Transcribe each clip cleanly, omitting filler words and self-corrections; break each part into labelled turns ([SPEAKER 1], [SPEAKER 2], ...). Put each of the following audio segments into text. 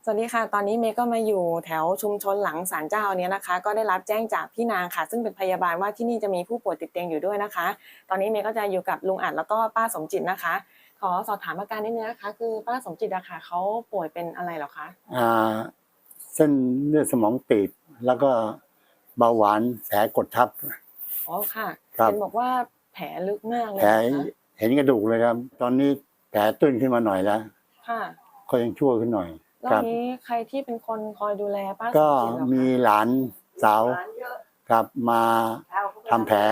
[SPEAKER 1] วัสดีค่ะตอนนี้เมย์ก็มาอยู่แถวชุมชนหลังศาลเจ้าเนี้ยนะคะก็ได้รับแจ้งจากพี่นางค่ะซึ่งเป็นพยาบาลว่าที่นี่จะมีผู้ป่วยติดเตียงอยู่ด้วยนะคะตอนนี้เมย์ก็จะอยู่กับลุงอัดแล้วก็ป้าสมจิตนะคะขอสอบถามอาการนิดนึงนะคะคือป้าสมจิตอะค่ะเขาป่วยเป็นอะไรเหรอคะ
[SPEAKER 2] เส้นเลือดสมองตีบแล้วก็เบาหวานแผลกดทับ
[SPEAKER 1] อ๋อค่ะ
[SPEAKER 2] ครับ
[SPEAKER 1] เห็นบอกว่าแผลลึกมากเลย
[SPEAKER 2] แผล
[SPEAKER 1] นะคะ
[SPEAKER 2] เห็นกระดูกเลยครับตอนนี้แผลตื้นขึ้นมาหน่อยแล้ว
[SPEAKER 1] ค่ะ
[SPEAKER 2] ก็ยังชั่วขึ้นหน่อย
[SPEAKER 1] แล้วนี้ใครที่เป็นคนคอยดูแลป้าสม
[SPEAKER 2] ก็
[SPEAKER 1] จิตเหรอ
[SPEAKER 2] มี
[SPEAKER 1] คะ
[SPEAKER 2] หลานสาวครับมาทำแผล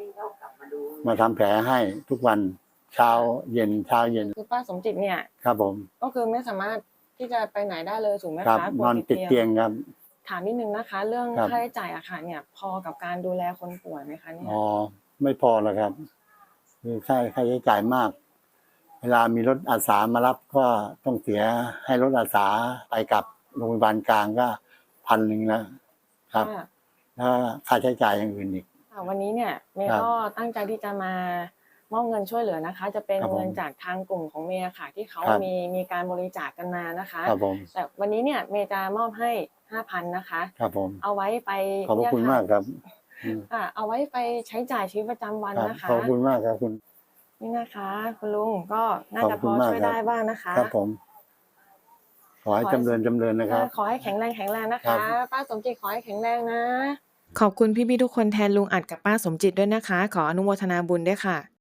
[SPEAKER 2] ให้ทุกวันเช้าเย็น
[SPEAKER 1] คือป้าสมจิตเนี่ย
[SPEAKER 2] ครับผม
[SPEAKER 1] ก็คือไม่สามารถที่จะไปไหนได้เลยถูกไหม
[SPEAKER 2] ครับ
[SPEAKER 1] คะ
[SPEAKER 2] นอนติดเตียงครับ
[SPEAKER 1] ถามนิดนึงนะคะเรื่อง
[SPEAKER 2] ครับ
[SPEAKER 1] ค่าใช้จ่ายอะค่ะเนี่ยพอกับการดูแลคนป่วยไหมคะเนี่ย
[SPEAKER 2] ไม่พอแล้วครับคือค่าใช้จ่ายมากเวลามีรถอาสามารับก็ต้องเสียให้รถอาสาไปกับโรงพยาบาลกลางก็1,000แล้วครับแล้วค่าใช้จ่ายอย่างอื่นอีก
[SPEAKER 1] วันนี้เนี่ยเมย์ก็ตั้งใจที่จะมามอบเงินช่วยเหลือนะคะจะเป็นเงินจากทางกลุ่มของเมย์ค่ะที่เขามีการบริจาคกันมานะคะแต่วันนี้เนี่ยเมย์จะมอบให้ 5,000 นะคะ
[SPEAKER 2] ครับผม
[SPEAKER 1] เอาไว้ไป
[SPEAKER 2] ขอบคุณมากครับ
[SPEAKER 1] เอาไว้ไปใช้จ่ายชีวิตประจำวันนะคะ
[SPEAKER 2] ขอบคุณมากครับคุณ
[SPEAKER 1] นี่นะคะคุณลุงก็น่าจะพอช่วยได้บ้างนะคะ
[SPEAKER 2] ครับผมขอให้จำเริญนะครับ
[SPEAKER 1] ขอให้แข็งแรงนะคะป้าสมจิตขอให้แข็งแรงนะขอบคุณพี่ๆทุกคนแทนลุงอัดกับป้าสมจิตด้วยนะคะขออนุโมทนาบุญด้วยค่ะ